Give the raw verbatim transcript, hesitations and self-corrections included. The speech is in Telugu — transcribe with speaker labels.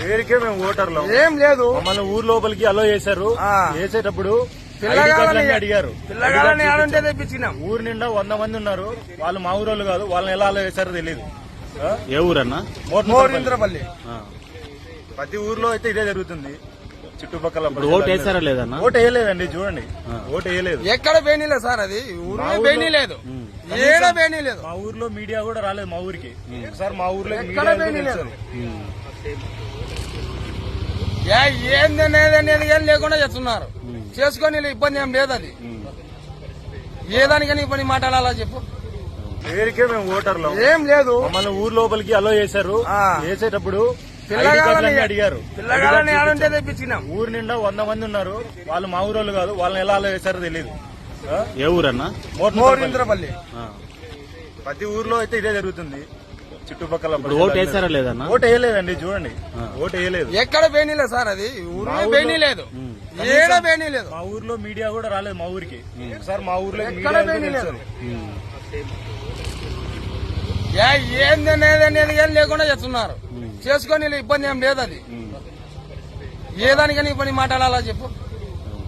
Speaker 1: పేరుకే మేము ఓటర్లు
Speaker 2: ఏం లేదు.
Speaker 1: మమ్మల్ని ఊరు లోపలికి అలో చేశారు. వేసేటప్పుడు
Speaker 2: పిల్లగాలని
Speaker 1: అడిగారు.
Speaker 2: పిల్లగాలని ఆడుంటే తెప్పించినాం.
Speaker 1: ఊరు నిండా వంద మంది ఉన్నారు. వాళ్ళు మా ఊరోళ్ళు కాదు. వాళ్ళని ఎలా అలో చేశారో తెలియదు.
Speaker 3: ఏ ఊరన్నా?
Speaker 2: మోరింద్రపల్లి.
Speaker 1: ప్రతి ఊర్లో అయితే ఇదే జరుగుతుంది. చుట్టుపక్కల
Speaker 3: ఓటు వేసారా లేదన్నా?
Speaker 1: ఓటు వేయలేదండి. చూడండి, ఓటు వేయలేదు.
Speaker 2: ఎక్కడ బేనీలేదు సార్, అది ఊరు బేనీ లేదు, ఏడ బేనీ లేదు.
Speaker 1: మా ఊర్లో మీడియా కూడా రాలేదు మా ఊరికి. సార్ మా ఊర్లో
Speaker 2: ఎక్కడ బేనీ లేదు. ఏంది అనేది ఏం లేకుండా చేస్తున్నారు. చేసుకొని ఇబ్బంది ఏం లేదు. అది ఏ దానికని ఇబ్బంది మాట్లాడాలా చెప్పు.
Speaker 1: పేరుకే మేము ఓటర్లు
Speaker 2: ఏం లేదు.
Speaker 1: మమ్మల్ని ఊరు లోపలికి అలో చేశారు. వేసేటప్పుడు
Speaker 2: పిల్లగాలని
Speaker 1: అడిగారు.
Speaker 2: పిల్లగాలని ఆడుంటే తెప్పించినాం.
Speaker 1: ఊరు నిండా వంద మంది ఉన్నారు. వాళ్ళు మా ఊరోళ్ళు కాదు. వాళ్ళని ఎలా అలో చేశారో తెలియదు.
Speaker 3: ఏ ఊరన్నా?
Speaker 2: మోరింద్రపల్లి.
Speaker 1: ప్రతి ఊర్లో అయితే ఇదే జరుగుతుంది. చుట్టుపక్కల
Speaker 3: ఓటు వేసారా లేదన్నా?
Speaker 1: ఓటు వేయలేదండి. చూడండి, ఓటు వేయలేదు.
Speaker 2: ఎక్కడ బేనీలేదు సార్, అది ఊరు బేనీ లేదు, ఏడ బేనీ లేదు.
Speaker 1: మా ఊర్లో మీడియా కూడా రాలేదు మా ఊరికి. సార్ మా ఊర్లో
Speaker 2: ఎక్కడ బేనీ లేదు. ఏంది అనేది ఏం లేకుండా చేస్తున్నారు. చేసుకొని ఇబ్బంది ఏం లేదు. అది ఏ దానికని ఇబ్బంది మాట్లాడాలా చెప్పు.